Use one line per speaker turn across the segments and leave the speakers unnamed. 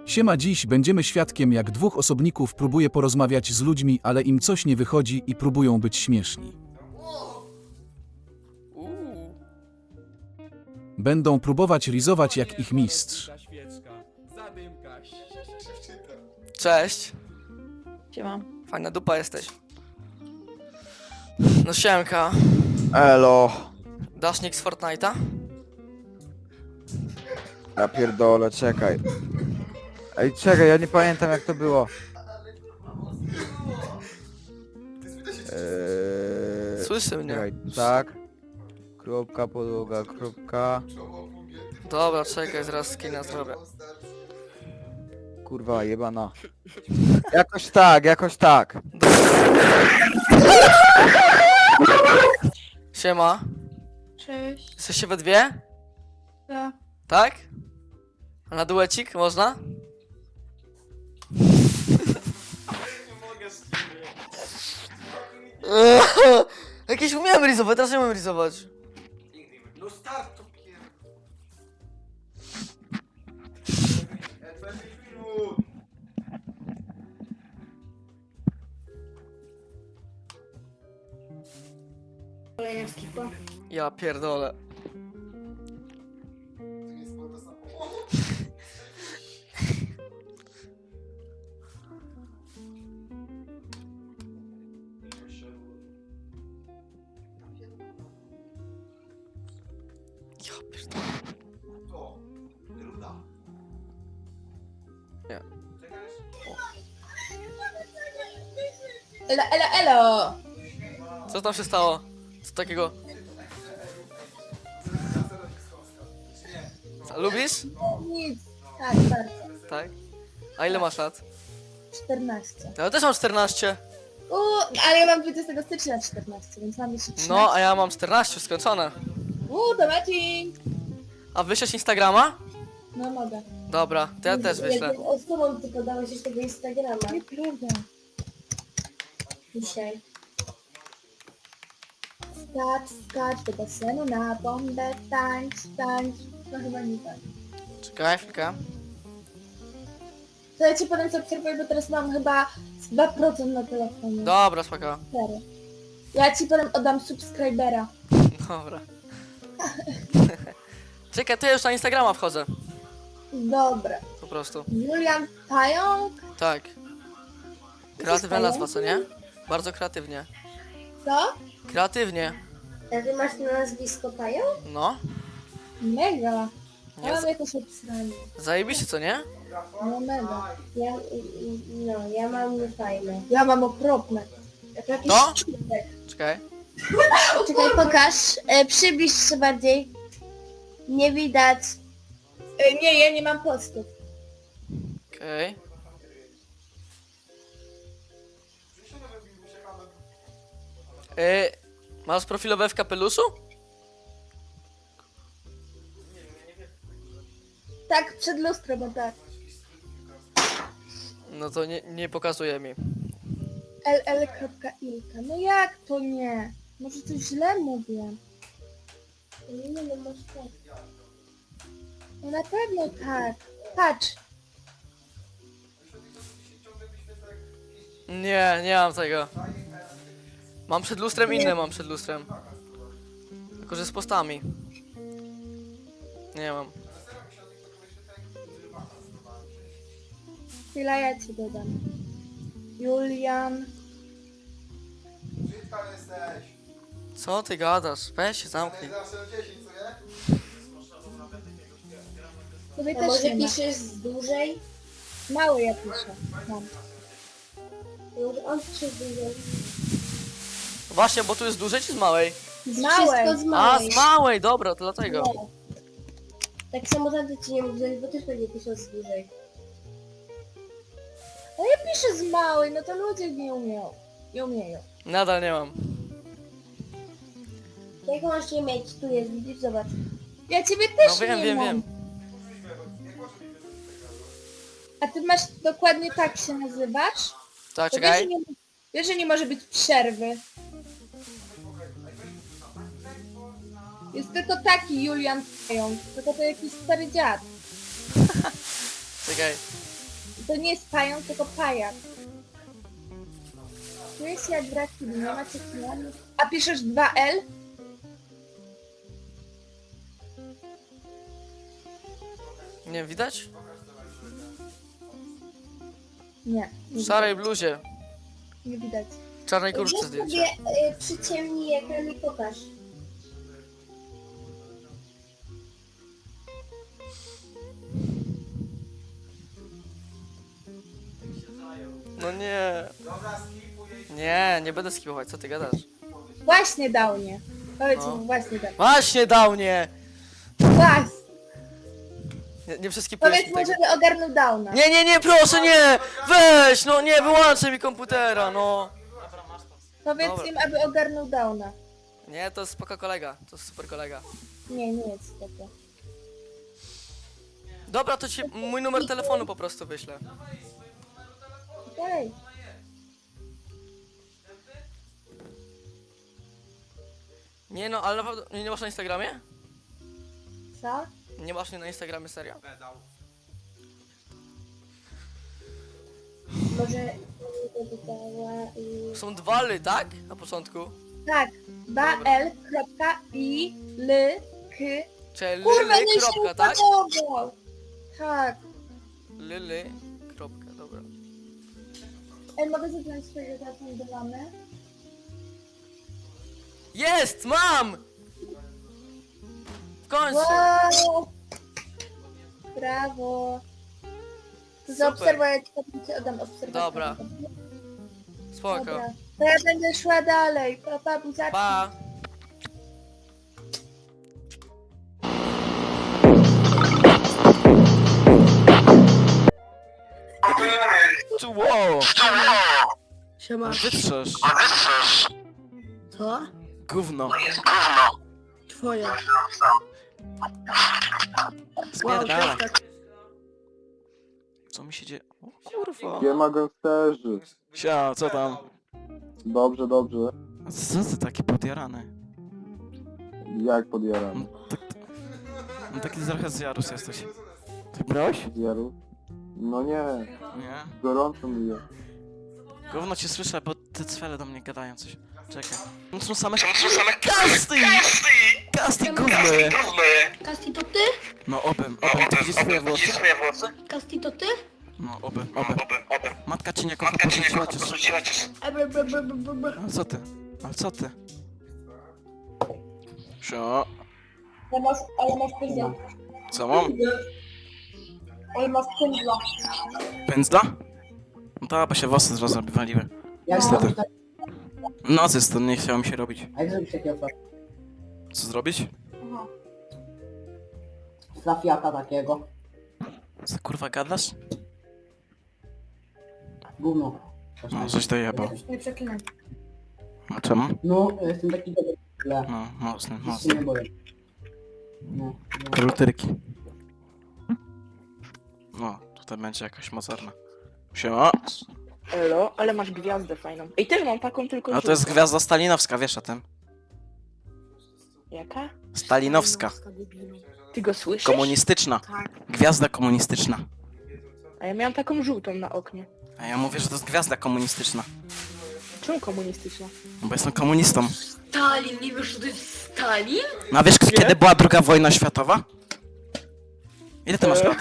Siema, dziś będziemy świadkiem, jak dwóch osobników próbuje porozmawiać z ludźmi, ale im coś nie wychodzi i próbują być śmieszni. Będą próbować rizować jak ich mistrz.
Cześć.
Siema.
Fajna dupa jesteś. No siemka.
Elo.
Dasz nick z Fortnite'a?
Ja pierdolę, czekaj. Ej, czekaj, ja nie pamiętam jak to było.
Słyszy mnie.
Czekaj, tak. Kropka, podłoga, kropka.
Dobra, czekaj, zaraz skina zrobię.
Kurwa, jebana. Jakoś tak, jakoś tak.
Siema.
Cześć.
Jesteście we dwie?
Ja.
Tak? A na duecik można? Jakieś umiałem rizować, teraz nie umiem rizować.
No start to pier... 20 minut!
Kolejna skipa.
Ja pierdolę.
To nie jest to samo.
Ja pierdolę.
To. Ruda.
Nie.
Czekasz?
Elo!
Co tam się stało? Co takiego? A lubisz?
Nic. Tak, bardzo.
Tak? A ile masz lat?
14.
Ja też mam 14.
Ale ja mam 20 stycznia 14, więc mam jeszcze 13.
No, a ja mam 14, skończone.
To matching!
A wyślesz Instagrama?
No mogę.
Dobra, to ja też wyślę.
Z tobą ty podałeś już tego Instagrama. Nieprawda. Dzisiaj. Skacz do basenu na bombę, tańcz. No chyba nie tak.
Czekaj, chwilkę.
To ja ci potem zaobserwuję, bo teraz mam chyba z 2% na telefonie.
Dobra, spoko.
Serio. Ja ci potem oddam subskrybera.
Dobra. Czekaj, to ja już na Instagrama wchodzę.
Dobra.
Po prostu.
Julian Pająk?
Tak. Kreatywna nazwa, co nie? Bardzo kreatywnie.
Co?
Kreatywnie.
A ty masz na nazwisko Pająk?
No.
Mega.
Nie,
Ja mam jakieś obsranie.
zajebiście, co nie?
No mega. Ja mam niefajne. Ja mam okropne. Jak jakiś
No?
czubek.
Czekaj.
Czekaj, pokaż. Przybliż się bardziej. Nie widać. Nie, ja nie mam postów.
Okej. Masz profilowe w kapeluszu?
Tak, przed lustrem, bo tak.
No to nie pokazuje mi.
ll.ilka. No jak to nie? Może coś źle mówię? Nie, no masz tak. No na pewno tak. Patrz.
Nie mam tego. Mam przed lustrem inne, mam przed lustrem. Tylko, że z postami. Nie mam.
Chwila, ja ci dodam. Julian.
Brzydka jesteś.
Co ty gadasz? Weź się zamknij.
Zawsze o 10, co nie?
Tobie też może piszesz z dłużej? Mały ja piszę. Mam. Może on pisze z dłużej.
Właśnie, bo tu jest z dużej czy z małej?
Z małej. Z
A, z małej, dobra, to dlatego.
No. Tak samo tamty ci nie mówię, bo też pewnie piszą z dłużej. A ja piszę z małej, no to ludzie nie umieją. Nie umieją.
Nadal nie mam.
Jak masz nie mieć? Tu jest, widzisz, zobacz. Ja ciebie też
No wiem,
nie
wiem,
mam.
wiem.
A ty masz dokładnie tak się nazywasz?
Tak,
To wiesz, że
czekaj.
nie, wiesz, że nie może być przerwy. Jest tylko taki Julian Pająk, tylko to jakiś stary dziad.
Czekaj.
To nie jest pająk, tylko pajak. Czuję się jak w rekinie, nie macie kilami. A piszesz 2L?
Nie widać?
Nie.
W szarej bluzie.
Nie widać.
W czarnej kurtce zdjęcie.
Przyciemnij ekran i pokaż.
No nie.
Dobra, skipuj.
Nie będę skipować, co ty gadasz?
Właśnie dał mnie. Powiedz
No.
mu, właśnie dał.
Właśnie dał nie!
Właśnie.
Nie przeskipujesz
Powiedz
mi
mu,
tego.
żeby ogarnął downa.
Nie, proszę, nie! Weź, no nie, wyłączaj mi komputera, no!
Powiedz
Dobra.
im, aby ogarnął downa.
Nie, to jest spoko kolega, to jest super kolega.
Nie jest spoko.
Dobra, to ci mój numer telefonu po prostu wyślę.
Okej.
Nie no, ale naprawdę, nie masz na Instagramie?
Co?
Nie masz mnie na Instagramie, serio?
Pedał.
Może by dała i...
Są dwa ly, tak? Na początku.
Tak. 2L.I.L.K.
Czyli
Kurwa,
lyly,
nie
kropka,
się
tak?
podobał. Tak.
Lyly, kropka, dobra.
Ej, mogę zacząć swojego telefonu do mamy?
Jest! Mam! W końcu!
Wow! Brawo! To zaobserwuję, ci oddam obserwację.
Dobra. Spoko.
Dobra. To ja będę szła dalej. Pa, buziaczki.
Pa!
Wow!
Siema.
Wytrzesz!
Co?
Gówno!
Twoje.
Spierdala!
tak.
Co mi się dzieje? O kurwa!
Siema gangsterzy.
Sia, co tam?
Dobrze, dobrze.
A co ty taki podjarany?
Jak podjaram?
No taki trochę zjarus jesteś. Ty brałeś?
Zjaru? No nie,
Nie?
gorąco mi jest.
Gówno cię słyszę, bo te cwele do mnie gadają coś. Czekaj. To są same kasty! Kasty gówno je!
Kasti to ty?
No obym, ty widzisz swoje włosy?
Kasti to ty?
No obym. Matka cię nie kocha, porzuciła cię. Ale co ty? Sio.
Ale masz pędzla.
Co mam?
Ale masz pędzla.
Pędzla? No to, bo się włosy zrazu wywaliły. Niestety. Nocy stąd nie chciało mi się robić.
A jak zrobić takiego
Co zrobić?
flafiaka takiego?
Co kurwa gadasz?
Gówno.
No, żeś dojebał.
Nie przeklinaj.
A czemu?
No, jestem taki dobry. Tle.
No, mocny.
Nic się nie boję. No, no.
Krutyrki. No, tutaj będzie jakaś mocarna. Siema.
Elo, ale masz gwiazdę fajną. Ej, też mam taką, tylko
A to jest
żółtą.
gwiazda stalinowska, wiesz o tym?
Jaka?
Stalinowska.
Ty go słyszysz?
Komunistyczna.
Tak.
Gwiazda komunistyczna.
A ja miałam taką żółtą na oknie.
A ja mówię, że to jest gwiazda komunistyczna.
Czemu komunistyczna?
No bo jestem komunistą.
Stalin, nie wiesz, że to jest Stalin?
No a wiesz kiedy była II wojna światowa? Ile ty masz lat?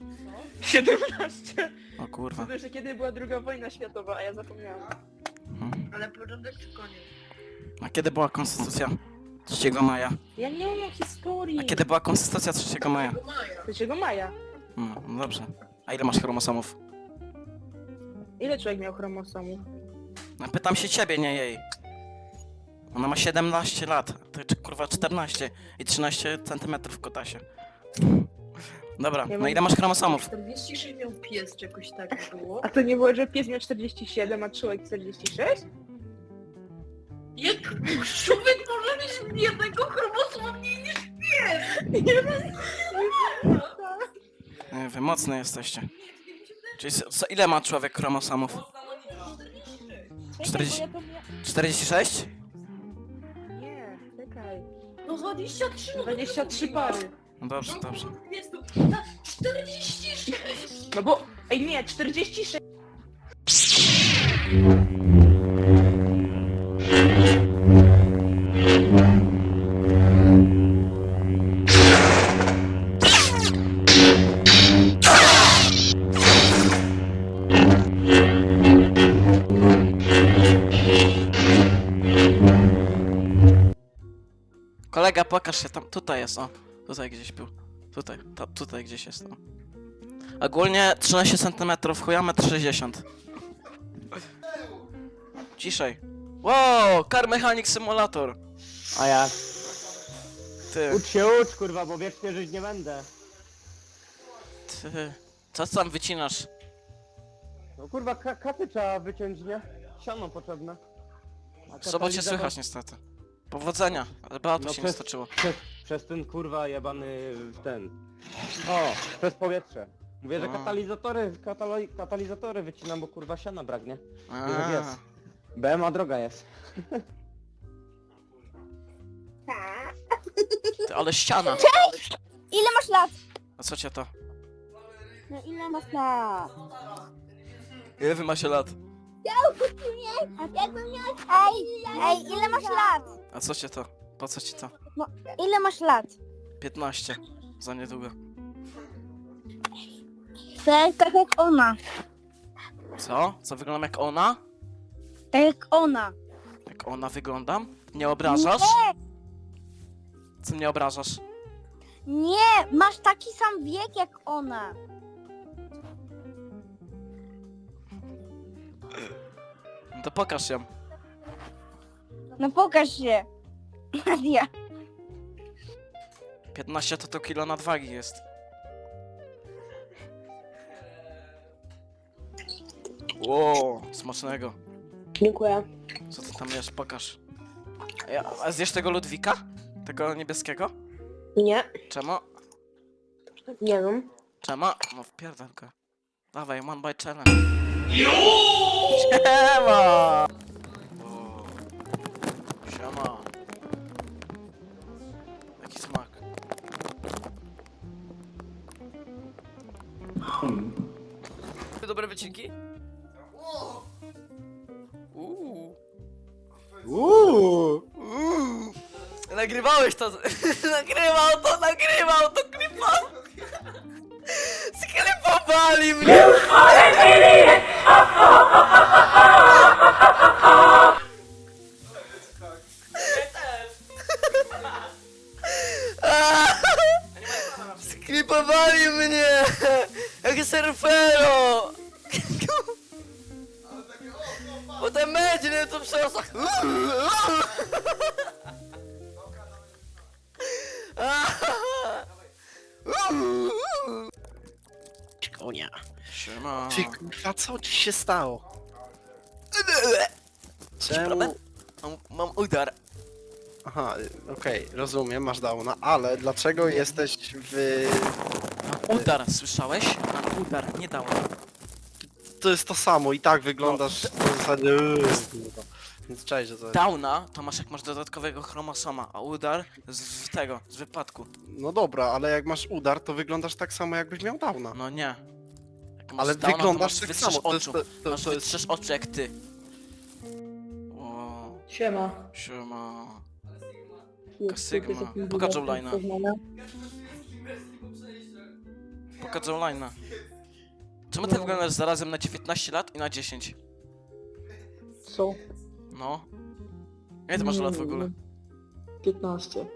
17.
O kurwa.
To jeszcze kiedy była II wojna światowa, a ja zapomniałam.
Mhm.
Ale początek czy koniec?
A kiedy była konstytucja 3 maja?
Ja nie umiem historii.
A kiedy była konstytucja 3 maja?
3 maja.
No dobrze. A ile masz chromosomów?
Ile człowiek miał chromosomów?
No pytam się ciebie, nie jej. Ona ma 17 lat, ty kurwa 14 i 13 centymetrów w kotasie. Dobra,
Ja
no
mam-
ile masz chromosomów?
46 miał pies, czy jakoś tak było.
A to nie było, że pies miał 47, a człowiek 46?
Jak człowiek może mieć jednego chromosomu mniej niż pies?
Nie, wy mocne jesteście. Czyli ile ma człowiek chromosomów? 40.
Czekaj, bo ja
46?
to Nie, czekaj.
No 23, no
23 pary.
No dobrze, dobrze.
jest to 46.
No bo, Ej, nie, 46.
Kolega, pokaż się tam. Tutaj jest, o. Tutaj gdzieś był. Tutaj, tutaj gdzieś jest, o. Ogólnie 13 cm, chuja 1,60 m. Ciszej. Wow, Car Mechanic Simulator.
A jak?
Ty,
Ucz, kurwa, bo wiecznie żyć nie będę.
ty. Co tam wycinasz?
No kurwa, katy trzeba wyciąć, nie? Siano potrzebne.
W sobocie słychać niestety. Powodzenia, ale Beatu
No
się nie
przez-
stoczyło.
Przez ten kurwa jebany ten. O, przez powietrze. Mówię, że
A.
katalizatory wycinam, bo kurwa siana braknie.
A,
jest. BMA droga jest.
ty, ale ściana.
Ile masz lat?
A co cię to?
No ile masz lat?
Ile wy macie lat?
Jakbym miał... Ej, ile masz lat?
A co cię to? Po co ci to?
Ile masz lat?
15. Za niedługo.
Tak jak ona.
Co? Co wyglądam jak ona?
Tak jak ona.
Jak ona wyglądam? Nie obrażasz? Co mnie obrażasz?
Nie, masz taki sam wiek jak ona.
No to pokaż ją.
No pokaż się. Nadia.
15 to kilo nadwagi jest. Wow, smacznego.
Dziękuję.
Co ty tam jesz? Pokaż. A zjesz tego Ludwika? Tego niebieskiego?
Nie,
Czemu?
nie wiem.
Czemu? No wpierdol go. Dawaj, one by challenge. Siema! O. Siema. Jaki smak.
Dobre wycinki? Nagrywałeś to! Nagrywał to klipa! Sklipowali mnie! Sklipowali mnie! Jak surfero! Potem będzie to przerosach.
Konia.
Siema.
Ty kurwa, co ci się stało? Czemu?
Problem? Mam udar.
Aha, okej, rozumiem, masz downa, ale dlaczego jesteś w...
Mam udar, słyszałeś? Mam udar, nie dałem.
To jest to samo i tak wyglądasz w zasadzie... kurwa. Więc cześć, że to jest...
Downa to masz jak masz dodatkowego chromosoma, a udar z wypadku.
No dobra, ale jak masz udar, to wyglądasz tak samo jakbyś miał downa.
No nie. Jak masz
Ale
downa, to
wyglądasz
masz
tak
wytrzesz
samo, to jest...
oczu.
To
Masz
jest...
wytrzesz oczu jak ty. O,
Siema.
siema. Sigma. Pokaż online'a. Pokaż online'a. Czemu ty wyglądasz zarazem na 19 lat i na 10?
Co?
No. Ile ty masz lat w ogóle?
15.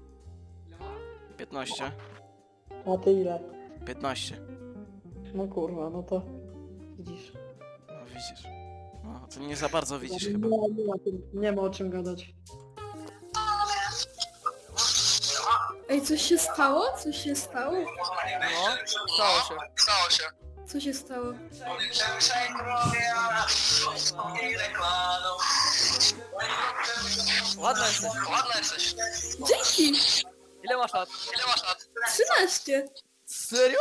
15?
A ty ile?
15.
No kurwa, no to widzisz.
No widzisz. No, to nie za bardzo widzisz chyba.
Nie ma o czym gadać.
Ej, coś się stało? Coś się stało?
No, stało się.
Co się stało?
Ładna jesteś.
Dzięki!
Ile masz lat?
13!
Serio?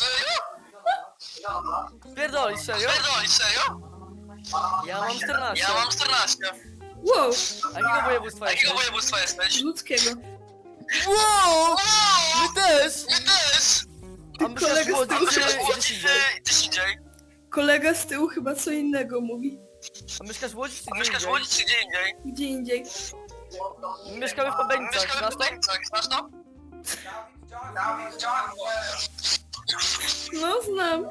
Pierdolisz, serio? Ja mam 14.
Wow!
A jakiego województwa jesteś?
Ludzkiego.
Wow! My też! A my się
Kolega
wchodzić
z
gdzieś indziej.
Kolega z tyłu chyba co innego mówi.
A mieszkasz w Łodzi czy gdzie indziej?
Gdzie indziej.
Mieszkamy w Pabeńcach, znasz to?
No znam.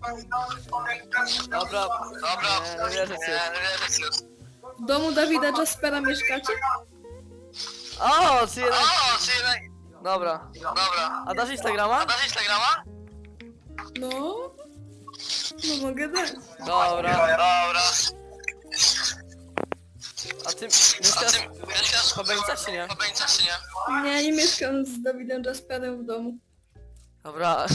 Dobra. Nie wierzę ci.
W domu Dawida Jaspera mieszkacie?
O, czy jednak... Dobra. A dasz Instagrama?
No. No mogę dać.
Dobra. A ty mieszkasz w Pabeńcach czy nie?
Nie, nie mieszkam z Dawidem Jasperem w domu.
Dobra.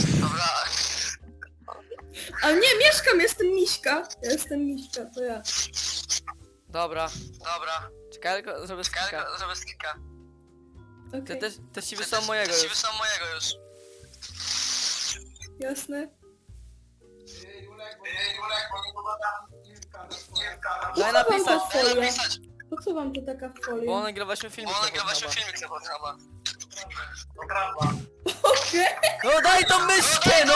Ale nie, mieszkam, jestem Miśka. Ja jestem Miśka, to ja.
Dobra. Czekaj, tylko zrobię skika.
Okej,
Też ci wysłałem mojego już.
jasne.
Daj
Po co wam ta
napisać,
folia? Po co wam to taka
bo
folia?
nagrywaliśmy filmik.
Okej.
No daj tą myszkę, no!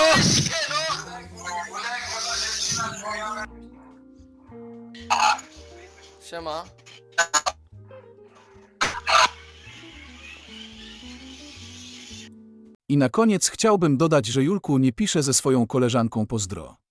Siema.
I na koniec chciałbym dodać, że Julku nie pisze ze swoją koleżanką pozdro.